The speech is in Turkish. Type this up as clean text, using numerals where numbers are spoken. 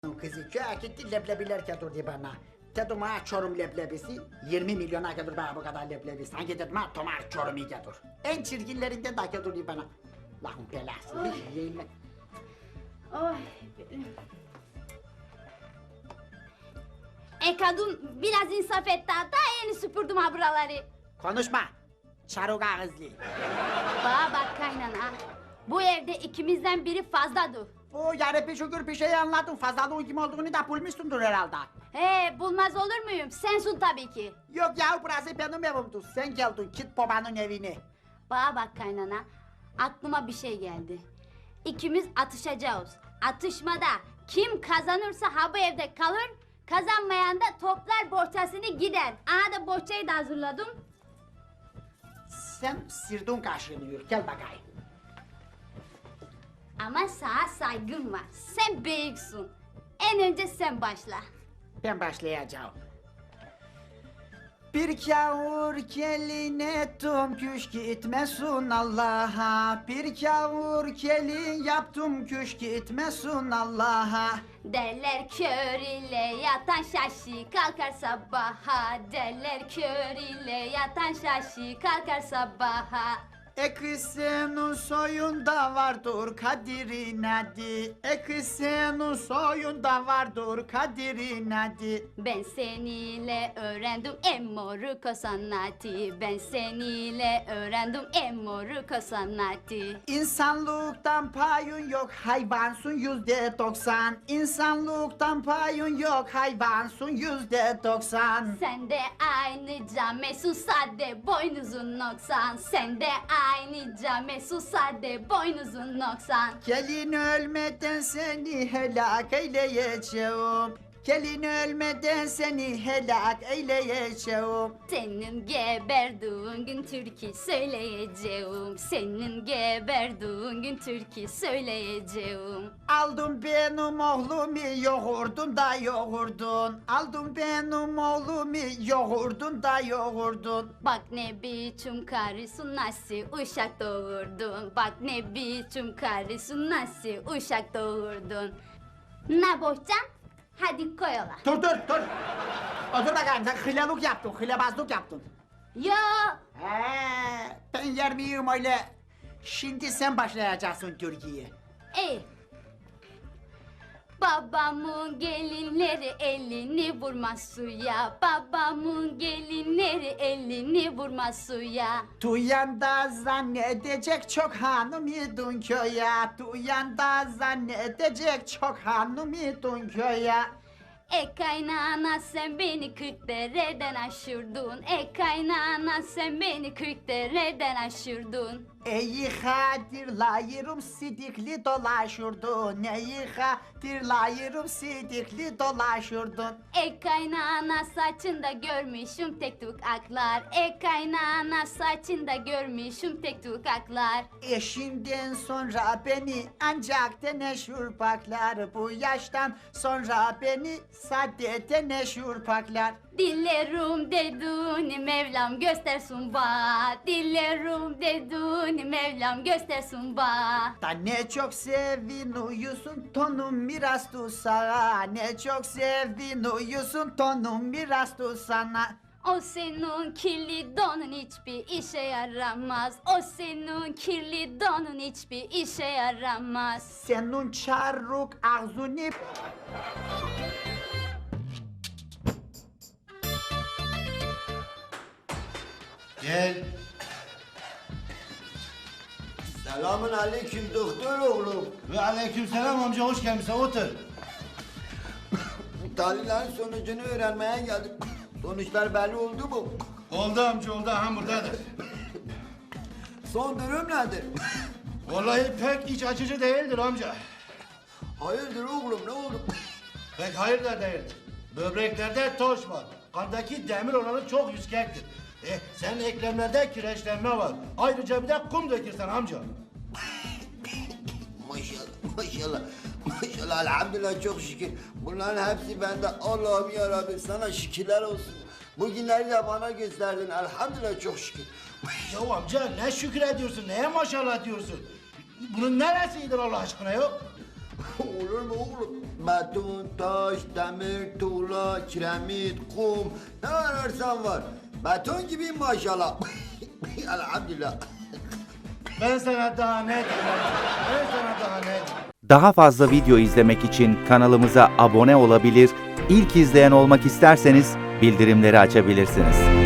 Kızı köye gitti leblebiler getirdi bana. Dedim ha Çorum leblebisi 20 milyona getir bana bu kadar leblebi. Sanki dedim ha Tomar Çorum'u getir. En çirkinlerinden de getirdi bana. Lahum belası bir şeyle. Oy. Kadın biraz insaf et daha yeni süpürdüm ha buraları. Konuşma. Çaruk ağızlı. Bana bak kaynana. Bu evde ikimizden biri fazladır. O yarabbi şükür bir şey anladım. Fazlalığın kim olduğunu da bulmuşsundur herhalde. Bulmaz olur muyum? Sensin tabii ki. Yok ya burası benim evimdir. Sen geldin git babanın evine. Bana bak kaynana. Aklıma bir şey geldi. İkimiz atışacağız. Atışmada kim kazanırsa ha bu evde kalır. Kazanmayan da toplar bohçasını gider. Aha da bohçayı da hazırladım. Sen sirdun kaşınıyor. Gel bakayım. Ama sana saygım var. Sen büyüksün. En önce sen başla. Ben başlayacağım. Bir kavur gelin ettim küş gitmesin Allah'a. Bir kavur gelin yaptım küş gitmesin Allah'a. Derler kör ile yatan şaşı kalkar sabaha. Derler kör ile yatan şaşı kalkar sabaha. Kız senin soyunda vardır kadirin adı. Kız senin soyunda vardır kadirin adı. Ben seninle öğrendim emmoruko sanatı. Ben seninle öğrendim emmoruko sanatı. İnsanlıktan payın yok hayvansın %90. İnsanlıktan payın yok hayvansın %90. Sen de aynı camesun sade boynuzun noksan. Sen de aynı camesun sade boynuzun noksan. Gelin ölmeden seni helak eyleyeceğim. Gelin ölmeden seni helak eyleyeceğim. Senin geberdiğin gün türkü söyleyeceğim. Senin geberdiğin gün türkü söyleyeceğim. Aldın benim oğlumu yoğurdun da yoğurdun. Aldın benim oğlumu yoğurdun da yoğurdun. Bak ne biçim karısın nasıl uşak doğurdun. Bak ne biçim karısın nasıl uşak doğurdun. Ne bohçam? Hadi koyola. Dur. Otur bakayım sen hılalık yaptın, hılabazlık yaptın. Yo. Ben yer miyim öyle? Şimdi sen başlayacaksın Türkiye. İyi. Babamın gelinleri elini vurmaz suya. Babamın gelinleri elini vurmaz suya. Duyan da zannedecek çok hanım idun köye. Duyan da zannedecek çok hanım idun köye. Kaynana sen beni 40 dereden aşırdın. Kaynana sen beni 40 dereden aşırdın. Eyi hatırlayırım sidikli dolaşırdın. Eyi hatırlayırım sidikli dolaşırdın. Kaynana saçında görmüşüm tek tük aklar. Kaynana saçında görmüşüm tek tük aklar. Eşimden sonra beni ancak teneşür paklar. Bu yaştan sonra beni sade teneşür paklar. Dillerim dedin Mevlam göstersin ba. Dillerim dedin Mevlam göstersin ba. Da ne çok sevin uyusun tonum miras sana. Ne çok sevin uyusun tonum miras sana. O senin kirli donun hiçbir işe yaramaz. O senin kirli donun hiçbir işe yaramaz. Senin çarruk ağzını... Gel. Selamun aleyküm doktor oğlum. Ve aleykümselam amca, hoş gelmişsin, otur. Tahlillerin sonucunu öğrenmeye geldim. Sonuçlar belli oldu mu? Oldu amca, oldu, aha buradadır. Son durum nedir? Vallahi pek iç açıcı değildir amca. Hayırdır oğlum ne oldu? Pek hayır da değildir. Böbreklerde toş var. Kandaki demir oranı çok yüksektir. Senin eklemlerde kireçlenme var. Ayrıca bir de kum dökürsen amca. Maşallah. Maşallah elhamdülillah çok şükür. Bunların hepsi bende. Allah'ım yarabbim sana şükürler olsun. Bugünleri de bana gösterdin. Elhamdülillah çok şükür. Ya amca ne şükür ediyorsun, neye maşallah diyorsun? Bunun neresidir Allah aşkına yok? Olur mu oğlum? Beton, taş, demir, tuğla, kiremit, kum ne ararsan var. Beton gibi maşallah. Elhamdülillah. Ben sana daha ne diyeyim? Ben sana daha ne diyeyim? Daha fazla video izlemek için kanalımıza abone olabilir, ilk izleyen olmak isterseniz bildirimleri açabilirsiniz.